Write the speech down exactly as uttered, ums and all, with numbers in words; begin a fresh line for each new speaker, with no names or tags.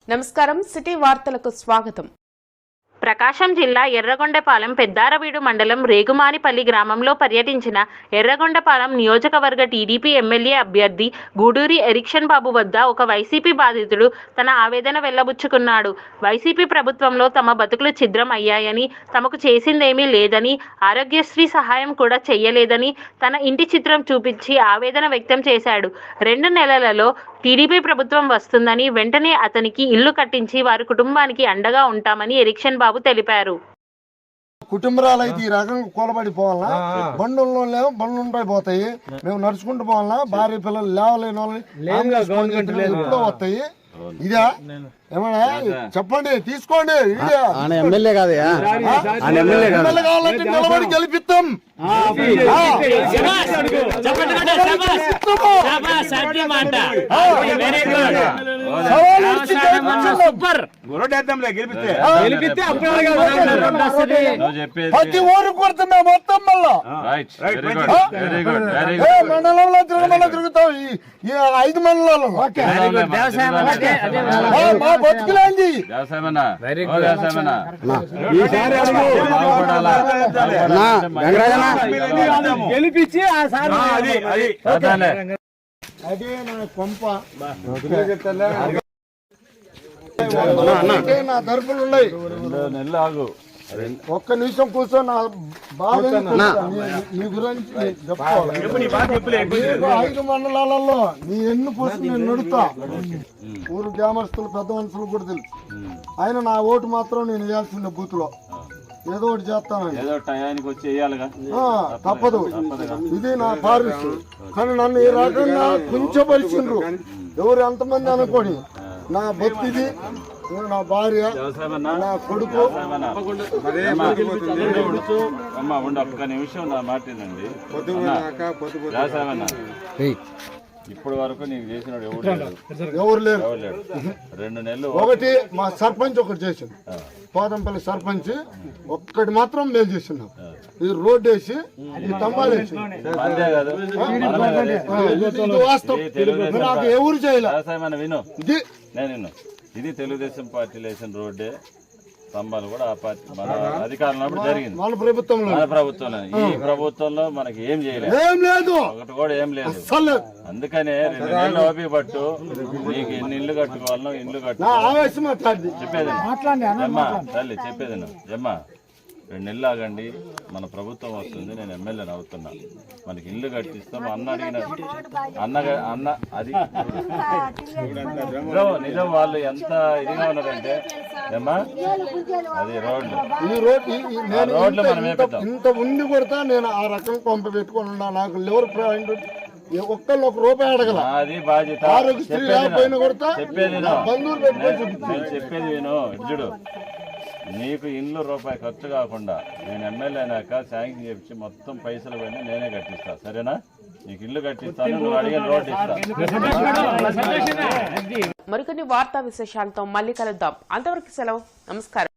నమస్కారం సిటీ వార్తలకు స్వాగతం.
ప్రకాశం జిల్లా ఎర్రగొండపాలెం పెద్దారవీడు మండలం రేగుమానిపల్లి గ్రామంలో పర్యటించిన ఎర్రగొండపాలెం నియోజకవర్గ టీడీపీ ఎమ్మెల్యే అభ్యర్థి గూడూరి ఎరిక్షన్ బాబు వద్ద ఒక వైసీపీ బాధితుడు తన ఆవేదన వెల్లబుచ్చుకున్నాడు. వైసీపీ ప్రభుత్వంలో తమ బతుకులు ఛిద్రం అయ్యాయని, తమకు చేసిందేమీ లేదని, ఆరోగ్యశ్రీ సహాయం కూడా చెయ్యలేదని తన ఇంటి చిత్రం చూపించి ఆవేదన వ్యక్తం చేశాడు. రెండు నెలలలో టీడీపీ ప్రభుత్వం వస్తుందని, వెంటనే అతనికి ఇల్లు కట్టించి వారి కుటుంబానికి అండగా ఉంటామని ఎరిక్షన్ బాబు తెలిపారు.
కుటుంబాలు అయితే ఈ రకంగా కూలబడిపోవాలన్నా, బండుల్లో లేవు బండ్లు పోతాయి, మేము నడుచుకుంటూ పోవాలన్నా, భార్య పిల్లలు లేవలేని వాళ్ళని వస్తాయి. ఇదా ఏమన్నా చెప్పండి, తీసుకోండి.
ఎమ్మెల్యే కాదు
కావాలంటే నిలబడి గెలిపిస్తాం. ప్రతి ఊరు కొడుతున్నా మొత్తం మళ్ళా మండలంలో తిరగమన్నా తిరుగుతాం. ఈ ఐదు మండలాలు మా బతుకులేంది.
గెలిపించి
అదే నా కొంప నా తరపులు ఉన్నాయి. ఒక్క నిమిషం కూర్చో, నా బాధ నీ గురించి చెప్పుకోవాలి. ఐదు మండలాలలో నీ ఎన్ని పోసి నేను నడుతా. ఊరు గ్రామస్తులు పెద్ద మనుషులు కూడా తెలుసు. ఆయన నా ఓటు మాత్రం నేను వేయాల్సిన బూత్ లో ఏదో ఒకటి చేస్తాను, తప్పదు. ఇది నా పారిస్. కానీ నన్ను ఈ రకంగా కుంచపరిచిండ్రు. ఎవరు ఎంతమంది అనుకోని, నా బతిది, నా భార్య, నా కొడుకు.
ఒక్క నిమిషం నా మాటేనండి. ఇప్పటి వరకు నీకు చేసిన
ఎవరు లేరు.
రెండు నెలలు
ఒకటి మా సర్పంచ్ ఒకటి చేసింది, పోదంపల్లి సర్పంచ్ ఒక్కటి మాత్రం మేము చేస్తున్నాం. ఈ రోడ్ వేసి ఈ స్తంభాలు వేసి వాస్తవం నాకు ఎవరు చేయలేదు.
విను
ఇది
నేను విను ఇది తెలుగుదేశం పార్టీలో వేసిన రోడ్డే. స్తంభాలు కూడా ఆ పార్టీ మన అధికారంలో జరిగింది.
మన ప్రభుత్వంలో
మన ప్రభుత్వంలో ఈ ప్రభుత్వంలో మనకి ఏం చేయలేదు,
ఏం లేదు,
ఒకటి కూడా ఏం లేదు. అందుకనే రెండు నెలలు ఓపిక పట్టు. నీకు ఎన్ని ఇల్లు కట్టుకోవాలనో ఇల్లు కట్టుకోవాలి. చెప్పేది జమ్మా తల్లి, చెప్పేది జమ్మా రెండు నెలలు ఆగండి. మన ప్రభుత్వం వస్తుంది, నేను ఎమ్మెల్యేని అవుతున్నా, మనకి ఇల్లు కట్టిస్తాం. అన్న అడిగిన అన్న అన్న అది నిజం. వాళ్ళు ఎంత ఇదిగా ఉన్నారంటే ఏమ్మా, అది రోడ్లు
ఈ రోడ్
రోడ్లు మనం వేపిద్దాం.
ఇంత ఉండి కొడతా నేను ఆ రకం కొంప పెట్టుకుని ఉన్నా. నాకు లివర్ పాయింట్ ఒక్కళ్ళు ఒక రూపాయి అడగల.
అది బాధ్యత.
ఆరోగ్యశ్రీ లేకపోయినా కొడతా.
చెప్పేది
బంధువులు పెట్టుకొని
చెప్పేది విను. ఇడ్జుడు నీకు ఇల్లు రూపాయి ఖర్చు కాకుండా నేను ఎమ్మెల్యే అయినాక శాంక్షన్ చేపించి మొత్తం పైసలు పోయినా నేనే కట్టిస్తా. సరేనా? నీకు ఇల్లు కట్టిస్తాను, నువ్వు అడిగిన రోడ్ ఇస్తా.
మరికొన్ని వార్తా విశేషాలతో మళ్ళీ కలుద్దాం. అంతవరకు సెలవు. నమస్కారం.